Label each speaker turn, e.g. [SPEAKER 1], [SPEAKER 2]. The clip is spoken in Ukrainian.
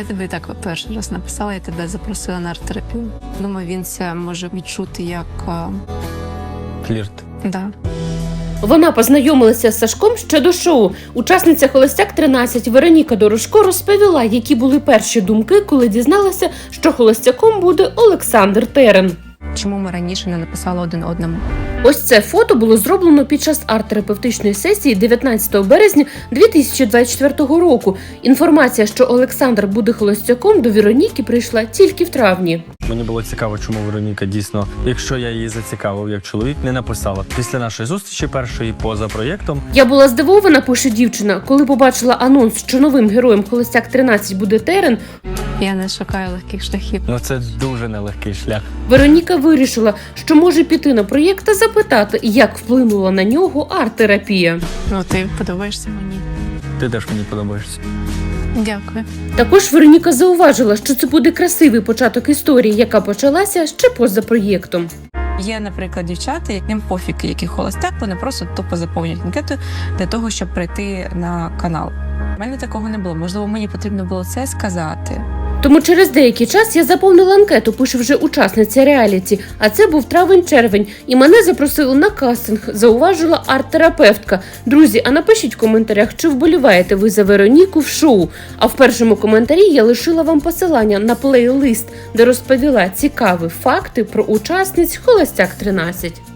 [SPEAKER 1] Я тобі так перший раз написала, я тебе запросила на арт-терапію. Думаю, він це може відчути як...
[SPEAKER 2] Флірт.
[SPEAKER 1] Да.
[SPEAKER 3] Вона познайомилася з Сашком ще до шоу. Учасниця «Холостяк-13» Вероніка Дорошко розповіла, які були перші думки, коли дізналася, що холостяком буде Олександр Терен.
[SPEAKER 1] Чому ми раніше не написали один одному?
[SPEAKER 3] Ось це фото було зроблено під час арт-терапевтичної сесії 19 березня 2024 року. Інформація, що Олександр буде холостяком, до Вероніки прийшла тільки в травні.
[SPEAKER 2] Мені було цікаво, чому Вероніка дійсно, якщо я її зацікавив як чоловік, не написала. Після нашої зустрічі першої поза проєктом.
[SPEAKER 3] Я була здивована, пише дівчина, коли побачила анонс, що новим героєм «Холостяк-13» буде Терен.
[SPEAKER 1] Я не шукаю легких шляхів.
[SPEAKER 2] Ну це дуже нелегкий шлях.
[SPEAKER 3] Вероніка вирішила, що може піти на проєкт та запитати, як вплинула на нього арт-терапія.
[SPEAKER 1] Ну, ти подобаєшся мені.
[SPEAKER 2] Ти теж мені подобаєшся.
[SPEAKER 1] Дякую.
[SPEAKER 3] Також Вероніка зауважила, що це буде красивий початок історії, яка почалася ще поза проєктом.
[SPEAKER 1] Є, наприклад, дівчата, яким пофіг, який холостяк, вони просто тупо заповнюють анкету для того, щоб прийти на канал. У мене такого не було. Можливо, мені потрібно було це сказати.
[SPEAKER 3] Тому через деякий час я заповнила анкету, пише вже учасниця реаліті, а це був травень-червень, і мене запросили на кастинг, зауважила арт-терапевтка. Друзі, а напишіть в коментарях, чи вболіваєте ви за Вероніку в шоу. А в першому коментарі я лишила вам посилання на плейлист, де розповіла цікаві факти про учасниць «Холостяк-13».